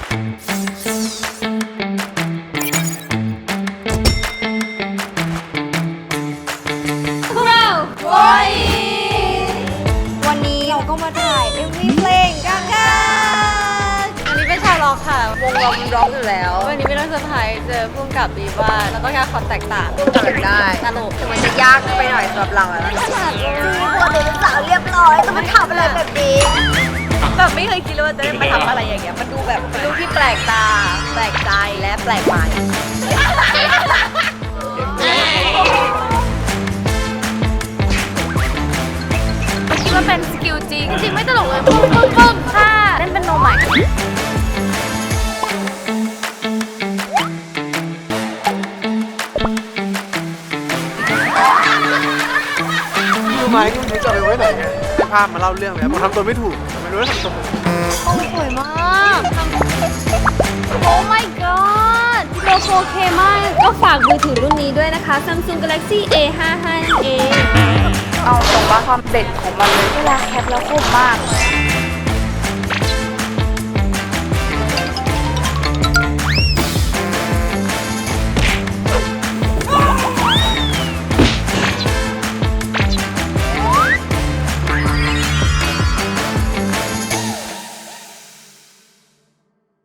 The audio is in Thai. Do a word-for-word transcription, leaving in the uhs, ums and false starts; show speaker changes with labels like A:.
A: พวกเราโอยวันนี้เราก็มาถ่าย เอ็ม วี เพลงกันค่ะอันนี้เป็นชาวร็อกค่ะ วงเราเป็นร็อกอยู่แล้ว วันนี้ไม่ต้องเซอร์ไพรส์เจอพุ่งกับดีว่าแล้วก็แค่ความแตกต่างทำได้ตลกถึงมันจะยากไปหน่อยสำหรับเราแล้วนะจริงพอเด็กสาวเรียบร้อยต้องมาทำอะไรแบบนี้แบบไม่เคยคิดเลยว่าจะได้มาทำอะไรอย่างเงี้ยมันดูแบบมันดูที่แปลกตาแปลกใจและแปลกใหม่คิดว่าเป็นสกิลจริงจริงไม่ตลกเลยปึ้งปึ้งปึ้งค่ะเล่นเป็นโนใหม่
B: รู้ไหมที่มันจะเอาไปไว้ไหนไงภาพมาเล่าเรื่องแล้วผมทำตัวไม่ถูกไม่รู้ว่าทำตัว
A: โอ้สวยมากโอ้ my god โลโก้เคมากก็ฝากมือถือรุ่นนี้ด้วยนะคะ Samsung Galaxy เอ ห้าสิบห้า นั่นเองเอาตรงว่าความเด็ดของมันเลยเวลาแคปแล้วคมมาก